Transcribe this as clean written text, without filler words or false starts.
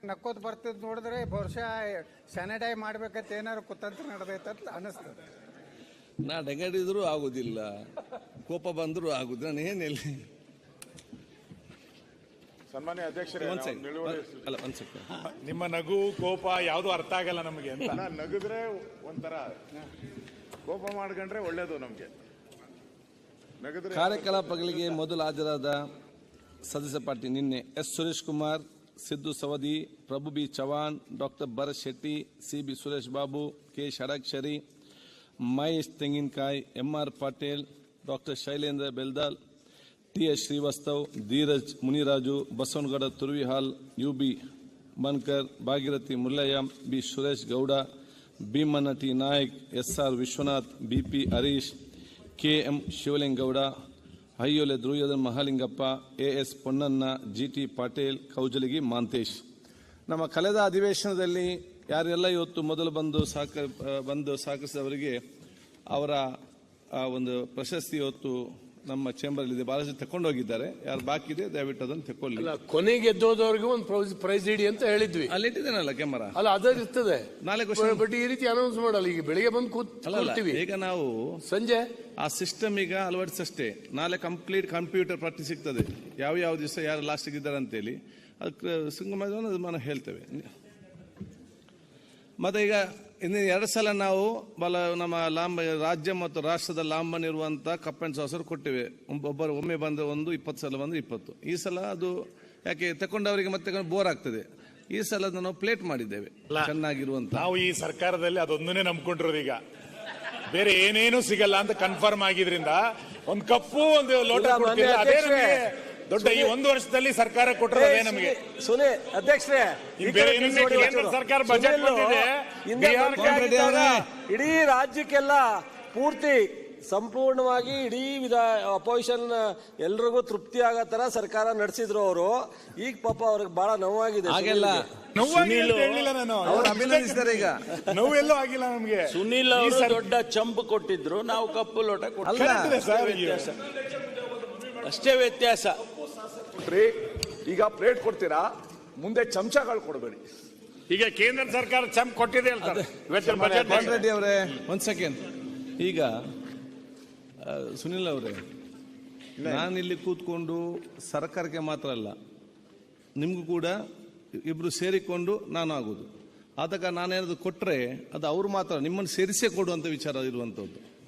ನಕ್ಕೋತ್ ಬರ್ತಿದ್ ನೋಡಿದ್ರೆ ಬಹುಶಃ ಸ್ಯಾನಿಟೈಸ್ ಮಾಡ್ಬೇಕಂತ ಏನಾದ್ರು ಕುತಂತ್ರ ನಡೆದೈತಂತ ಅನಿಸ್ತದೆ. ನಾ ಡಂಗಡಿದ್ರು ಆಗುದಿಲ್ಲ, ಕೋಪ ಬಂದರೂ ಆಗುದಿಲ್ಲ. ನಾನು ಏನಿಲ್ಲ. ಸನ್ಮಾನ್ಯ ಅಧ್ಯಕ್ಷರೇ, ನಿಮ್ಮ ನಗು ಕೋಪ ಯಾವುದು ಅರ್ಥ ಆಗಲ್ಲ ನಮಗೆ ಅಂತ. ನಗುದ್ರೆ ಒಂಥರ, ಕೋಪ ಮಾಡ್ಕೊಂಡ್ರೆ ಒಳ್ಳೇದು ನಮ್ಗೆ. ನಗುದ್ರೆ ಕಾರ್ಯಕಲಾಪಗಳಿಗೆ ಮೊದಲು ಹಾಜರಾದ ಸದಸ್ಯ ಪಾರ್ಟಿ ನಿನ್ನೆ S Suresh Kumar, Siddu Savadi, Prabhu B Chavan, doctor Bharat Shetty, C B. Suresh Babu, K. Shadakshari, Mahesh Tenginakai, M R. Patil, doctor Shailendra Beldal, T S. Srivastav, Dheeraj Muniraju, Basanagouda Turvihal, U B. Bankar, Bhagirathi Mullayya, B. Suresh Gowda, Bheemanna T. Naik, S R. Vishwanath, B P. Harish, K M. Shivalingegowda, ಹಯ್ಯೋಲೆ ಧ್ರುವಯೋಧನ್ ಮಹಾಲಿಂಗಪ್ಪ, ಎ.ಎಸ್. ಪೊನ್ನಣ್ಣ, ಜಿ.ಟಿ. ಪಾಟೀಲ್, ಕೌಜಲಗಿ ಮಾಂತೇಶ್. ನಮ್ಮ ಕಳೆದ ಅಧಿವೇಶನದಲ್ಲಿ ಯಾರೆಲ್ಲ ಇವತ್ತು ಮೊದಲು ಬಂದು ಸಹಕರಿಸಿದವರಿಗೆ ಅವರ ಒಂದು ಪ್ರಶಸ್ತಿ ಇವತ್ತು ನಮ್ಮ ಚೇಂಬರ್ ಇದೆ. ಬಹಳಷ್ಟು ತಕೊಂಡೋಗಿದ್ದಾರೆ. ಯಾರು ಬಾಕಿ ಇದೆ ದಯವಿಟ್ಟು ಅದನ್ನು ತಕೊಳ್ಳಿ. ಕೊನೆಗೆ ಗೆದ್ದೋದವ್ರಿಗೆ ಒಂದು ಪ್ರೈಸ್ ಇಡಿ ಅಂತ ಹೇಳಿದ್ವಿ. ಅಲ್ಲಿ ಇಟ್ಟಿದ್ದೇನಲ್ಲ ಕ್ಯಾಮರಾ, ಅಲ್ಲ ಅದೇ ಇರ್ತದೆ. ನಾಳೆ ಬಟ್ ಈ ರೀತಿ ಅನೌನ್ಸ್ ಮಾಡಲ್ಲ. ಈಗ ಬೆಳಿಗ್ಗೆ ಬಂದು ಕೂತ್ಕೊಳ್ತೀವಿ, ಈಗ ನಾವು ಸಂಜೆ ಆ ಸಿಸ್ಟಮ್ ಈಗ ಅಳವಡಿಸಷ್ಟೇ. ನಾಳೆ ಕಂಪ್ಲೀಟ್ ಕಂಪ್ಯೂಟರ್ ಪಟ್ಟಿ ಸಿಗ್ತದೆ, ಯಾವ ದಿವಸ ಯಾರು ಲಾಸ್ಟಿಗೆ ಇದ್ದಾರೆ ಅಂತೇಳಿ. ಅದು ನಾನು ಹೇಳ್ತೇವೆ. ಮತ್ತೆ ಈಗ ಇನ್ನು 2 ಸಲ ನಾವು ನಮ್ಮ ರಾಜ್ಯ ಮತ್ತು ರಾಷ್ಟ್ರದ ಲಾಂಬನ್ ಇರುವಂತ ಕಪ್ ಅಂಡ್ ಸಾಸರ್ ಕೊಟ್ಟಿವೆ. ಒಮ್ಮೆ ಬಂದ್ರೆ 20 ಸಲ ಬಂದ್ರೆ 20. ಈ ಸಲ ಅದು ಯಾಕೆ ತಕೊಂಡವರಿಗೆ ಮತ್ತೆ ಬೋರ್ ಆಗ್ತದೆ. ಈ ಸಲ ನಾವು ಪ್ಲೇಟ್ ಮಾಡಿದ್ದೇವೆ ಚೆನ್ನಾಗಿರುವಂತ. ನಾವು ಈ ಸರ್ಕಾರದಲ್ಲಿ ಅದೊಂದನ್ನೇ ನಂಬ್ಕೊಂಡಿರೋದು. ಈಗ ಬೇರೆ ಏನೇನು ಸಿಗಲ್ಲ ಅಂತ ಕನ್ಫರ್ಮ್ ಆಗಿದ್ರಿಂದ ಒಂದು ಕಪ್ಪು ಒಂದು ಲೋಟ ಕೊಡ್ತಿಲ್ಲ. ಅದೇ ನಮಗೆ ದೊಡ್ಡ ಈ 1 ವರ್ಷದಲ್ಲಿ ಸರ್ಕಾರ ಕೊಟ್ಟಿರೋದೇ ನಮಗೆ. ಸುನೇ ಅಧ್ಯಕ್ಷರೇ, ಕೇಂದ್ರ ಸರ್ಕಾರ ಬಜೆಟ್ ಬಂದಿದೆ. ಇಡೀ ರಾಜ್ಯಕ್ಕೆಲ್ಲ ಪೂರ್ತಿ ಸಂಪೂರ್ಣವಾಗಿ ಇಡೀ ಅಪೋಸಿಷನ್ ಎಲ್ರಿಗೂ ತೃಪ್ತಿ ಆಗೋ ತರ ಸರ್ಕಾರ ನಡೆಸಿದ್ರು ಅವರು. ಈಗ ಪಾಪ ಅವ್ರಿಗೆ ಬಹಳ ನೋವಾಗಿದೆ. ಅಭಿನಂದಿಸಿದ್ದಾರೆ. ಈಗ ನೋವೆಲ್ಲೂ ಆಗಿಲ್ಲ ನಮ್ಗೆ. ಸುನೀಲ್ ಅವರು ದೊಡ್ಡ ಚಂಪ್ ಕೊಟ್ಟಿದ್ರು, ನಾವು ಕಪ್ಪು ಲೋಟ ಕೊಟ್ಟಿದ್ದೀವಿ. ಅಷ್ಟೇ ವ್ಯತ್ಯಾಸ. ಈಗ ಪ್ಲೇಟ್ ಕೊಡ್ತೀರಾ, ಮುಂದೆ ಚಮಚಗಳು ಕೊಡಬೇಡಿ. ಈಗ ಕೇಂದ್ರ ಸರ್ಕಾರ ಚಂಪ್ ಕೊಟ್ಟಿದೆ ಹೇಳ್ತಾರೆ. ರೆಡ್ಡಿ ಅವರೇ, 1 ಸೆಕೆಂಡ್. ಈಗ ಸುನಿಲ್ ಅವರೇ, ನಾನಿಲ್ಲಿ ಕೂತ್ಕೊಂಡು ಸರ್ಕಾರಕ್ಕೆ ಮಾತ್ರ ಅಲ್ಲ, ನಿಮಗೂ ಕೂಡ ಇಬ್ರು ಸೇರಿಕೊಂಡು ನಾನು ಆಗೋದು. ಆದಾಗ ನಾನೇನಾದ್ರು ಕೊಟ್ಟರೆ ಅದು ಅವ್ರು ಮಾತ್ರ ನಿಮ್ಮನ್ನು ಸೇರಿಸೇ ಕೊಡುವಂಥ ವಿಚಾರ ಇರುವಂಥದ್ದು.